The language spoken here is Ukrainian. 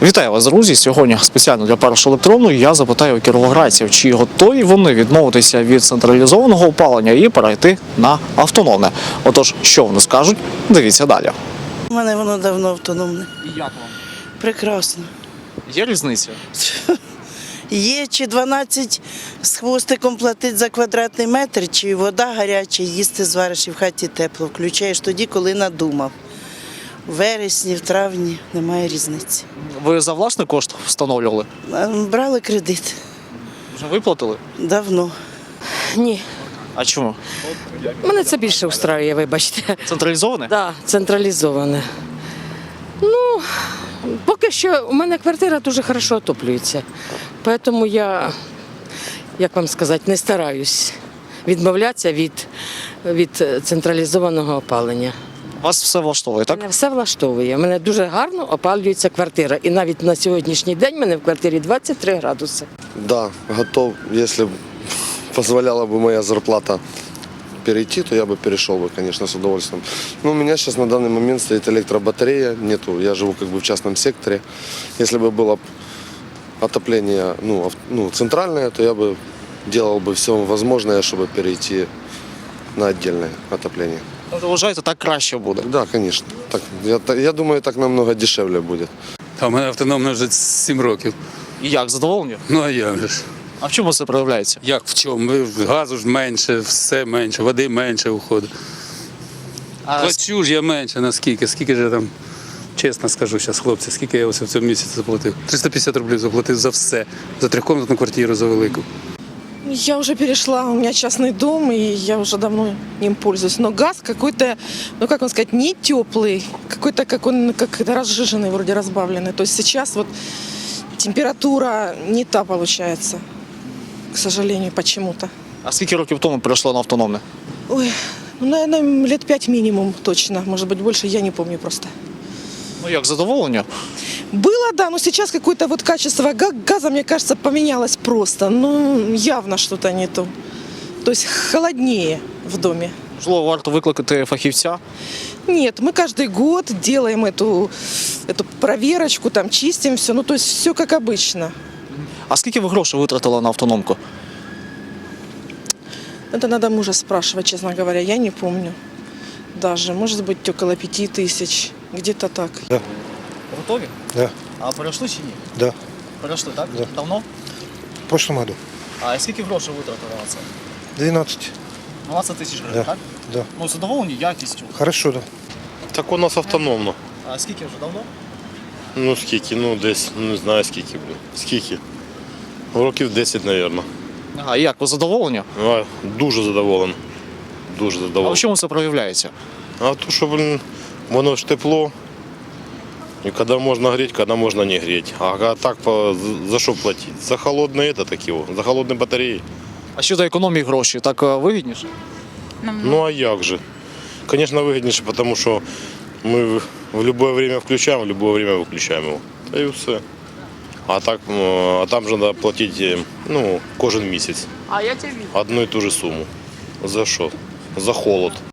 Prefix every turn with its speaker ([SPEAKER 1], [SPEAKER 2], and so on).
[SPEAKER 1] Вітаю вас, друзі! Сьогодні спеціально для першого електронного я запитаю у кіровоградців, чи готові вони відмовитися від централізованого опалення і перейти на автономне. Отож, що вони скажуть, дивіться далі.
[SPEAKER 2] У мене воно давно автономне.
[SPEAKER 1] І як вам?
[SPEAKER 2] Прекрасно.
[SPEAKER 1] Є різниця?
[SPEAKER 2] Є чи 12 з хвостиком платить за квадратний метр, чи вода гаряча, їсти звариш і в хаті тепло. Включаєш тоді, коли надумав. В вересні, в травні немає різниці.
[SPEAKER 1] Ви за власний кошт встановлювали?
[SPEAKER 2] Брали кредит
[SPEAKER 1] Вже виплатили?
[SPEAKER 2] давно.
[SPEAKER 3] Ні,
[SPEAKER 1] А чому?
[SPEAKER 3] мене це більше устраює, вибачте.
[SPEAKER 1] Централізоване?
[SPEAKER 3] Так, централізоване. Ну, поки що у мене квартира дуже добре отоплюється. Тому я, як вам сказати, не стараюсь відмовлятися від централізованого опалення.
[SPEAKER 1] Вас все влаштовує, так?
[SPEAKER 3] Мене все влаштовує. У мене дуже гарно опалюється квартира. І навіть на сьогоднішній день в мене в квартирі 23 градуси.
[SPEAKER 4] Да, готов. Если позволяла бы моя зарплата перейти, то я бы перешел бы, конечно, с удовольствием. Но у меня сейчас на данный момент стоит электробатарея, нету, я живу как бы в частном секторе. Если бы было отопление центральное, то я бы делал бы все возможное, чтобы перейти на отдельное отопление.
[SPEAKER 1] Ви вважаєте, так краще буде?
[SPEAKER 4] Да, конечно. Так, я думаю, так намного дешевле будет.
[SPEAKER 5] А в мене автономно вже 7 років.
[SPEAKER 1] І як, задоволені?
[SPEAKER 5] Ну а як же ж?
[SPEAKER 1] А в чому це проявляється?
[SPEAKER 5] Як в чому? Газу ж менше, все менше, води менше уходить. Плачу ж я менше, наскільки? Скільки ж я там, чесно скажу зараз, хлопці, скільки я ось в цьому місяці заплатив? 350 рублів заплатив за все. За трьохкомнатну квартиру, за велику.
[SPEAKER 6] Я уже перешла, у меня частный дом, и я уже давно им пользуюсь. Но газ какой-то, ну как вам сказать, не теплый, какой-то как он как-то разжиженный, вроде разбавленный. То есть сейчас вот температура не та получается, к сожалению, почему-то.
[SPEAKER 1] А скільки років тому перейшло на автономне?
[SPEAKER 6] Ой, ну, наверное, лет 5 минимум точно, может быть больше, я не помню просто.
[SPEAKER 1] Ну як, задоволення?
[SPEAKER 6] Было, да, но сейчас какое-то вот качество газа, мне кажется, поменялось просто. Ну, явно что-то не то. То есть холоднее в доме.
[SPEAKER 1] Можливо, варто викликати фахівця?
[SPEAKER 6] Нет, мы каждый год делаем эту проверочку, там чистим все, ну то есть все как обычно.
[SPEAKER 1] А скільки ви грошей витратили на автономку?
[SPEAKER 6] Это надо мужа спрашивать, честно говоря, я не помню. Даже, может быть, около 5000, где-то так.
[SPEAKER 1] Готові?
[SPEAKER 7] Да,
[SPEAKER 1] А перейшли чи ні?
[SPEAKER 7] да,
[SPEAKER 1] Перейшли, так?
[SPEAKER 7] Да.
[SPEAKER 1] Давно?
[SPEAKER 7] в прошлом году.
[SPEAKER 1] А скільки грошей витратили на це?
[SPEAKER 7] 12.
[SPEAKER 1] 12 тисяч гривень,
[SPEAKER 7] Да.
[SPEAKER 1] так?
[SPEAKER 7] Да.
[SPEAKER 1] Ну, задоволені якістю.
[SPEAKER 7] Хорошо, да.
[SPEAKER 8] Так у нас автономно.
[SPEAKER 1] А скільки вже давно?
[SPEAKER 8] Ну скільки, ну десь, не знаю скільки, блін. Скільки? Років 10, мабуть.
[SPEAKER 1] Ага, і як, ви задоволені?
[SPEAKER 8] Дуже задоволений. Дуже
[SPEAKER 1] А в
[SPEAKER 8] задоволений.
[SPEAKER 1] чому це проявляється?
[SPEAKER 8] А то, що, блін, воно ж тепло. І коли можна гріти, коли можна не гріти. А так за що платити? За холодне це такі, за холодні батареї.
[SPEAKER 1] А щодо економії грошей, так вигідніше?
[SPEAKER 8] Ну а як же? Звісно, вигідніше, тому що ми в будь-яке время включаємо, в будь-яке время виключаємо його. Та і все. А там же треба платити кожен місяць. Одну і ту ж суму. За що? За холод.